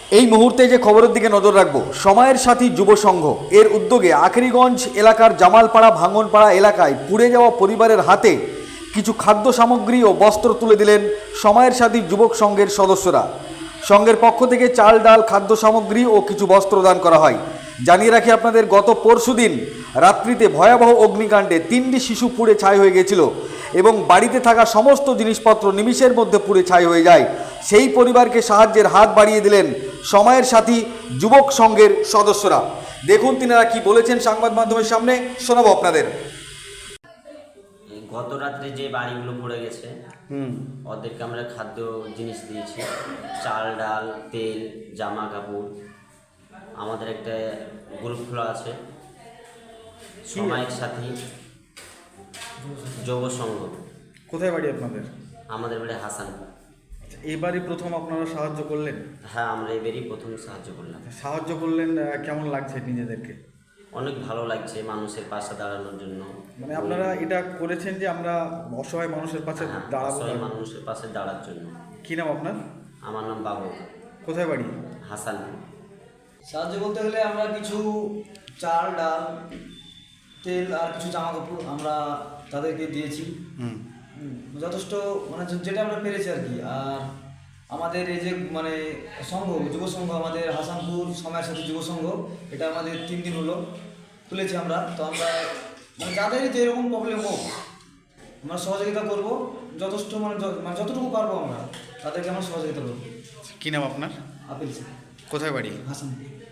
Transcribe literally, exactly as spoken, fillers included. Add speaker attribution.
Speaker 1: এই মুহূর্তে যে খবরের দিকে নজর রাখবো, সময়ের সাথী যুব সংঘ এর উদ্যোগে আখেরিগঞ্জ এলাকার জামালপাড়া ভাঙনপাড়া এলাকায় পুড়ে যাওয়া পরিবারের হাতে কিছু খাদ্য সামগ্রী ও বস্ত্র তুলে দিলেন সময়ের সাথী যুবক সংঘের সদস্যরা। সংঘের পক্ষ থেকে চাল ডাল খাদ্য সামগ্রী ও কিছু বস্ত্র দান করা হয়। জানিয়ে রাখি আপনাদের, গত পরশুদিন রাত্রিতে ভয়াবহ অগ্নিকাণ্ডে তিনটি শিশু পুড়ে ছাই হয়ে গেছিল এবং বাড়িতে থাকা সমস্ত জিনিসপত্র নিমিষের মধ্যে পুড়ে ছাই হয়ে যায়। সেই পরিবারকে সাহায্যের হাত বাড়িয়ে দিলেন সময়ের সাথী যুবক সংঘের সদস্যরা। দেখুন তিনারা কি বলেছেন সংবাদ মাধ্যমের সামনে, শোনাবো আপনাদের।
Speaker 2: গত রাত্রে যে বাড়িগুলো পড়ে গেছে
Speaker 1: হুম
Speaker 2: ওদেরকে আমরা খাদ্য জিনিস দিয়েছি, চাল ডাল তেল জামা কাপড়। আমাদের একটা গ্রুপ খোলা আছে সময়ের সাথী যুব সংঘ।
Speaker 3: কোথায় বাড়ি আপনাদের?
Speaker 2: আমাদের বাড়ি হাসান।
Speaker 3: এবারই প্রথম আপনারা সাহায্য করলেন?
Speaker 2: হ্যাঁ, আমরা এবারই প্রথম সাহায্য করলাম।
Speaker 3: সাহায্য করলেন, আহ, কেমন লাগছে নিজেদেরকে?
Speaker 2: অনেক ভালো লাগছে মানুষের পাশে দাঁড়ানোর জন্য।
Speaker 3: মানে আপনারা এটা করেছেন যে আমরা অসহায় মানুষের পাশে
Speaker 2: হ্যাঁ,
Speaker 3: দাঁড়াবো।
Speaker 2: অসহায় মানুষের পাশে দাঁড়ার জন্য।
Speaker 3: কি নাম আপনার?
Speaker 2: আমার নাম বাবু।
Speaker 3: কোথায় বাড়ি?
Speaker 2: হাসান।
Speaker 4: সাহায্য বলতে গেলে আমরা কিছু চাল ডাল তেল আর কিছু জামা কাপড় আমরা তাদেরকে দিয়েছি। হুম, যথেষ্ট মানে যে- যেটা আমরা পেরেছি আর কি। আর আমাদের এই যে মানে সংঘ যুব সংঘ, আমাদের হাসানপুর সময়ের সাথে যুব সংঘ, এটা আমাদের তিন দিন হলো খুলেছি আমরা। তো আমরা মানে যাদেরই যে এরকম প্রবলেম হোক আমরা সহযোগিতা করব, যথেষ্ট মানে য- মানে যতটুকু পারবো আমরা তাদেরকে আমরা সহযোগিতা করবো।
Speaker 3: কি নাম আপনার?
Speaker 4: আপিল স্যার,
Speaker 3: কোথায় বাড়ি?
Speaker 4: হাসানপুর।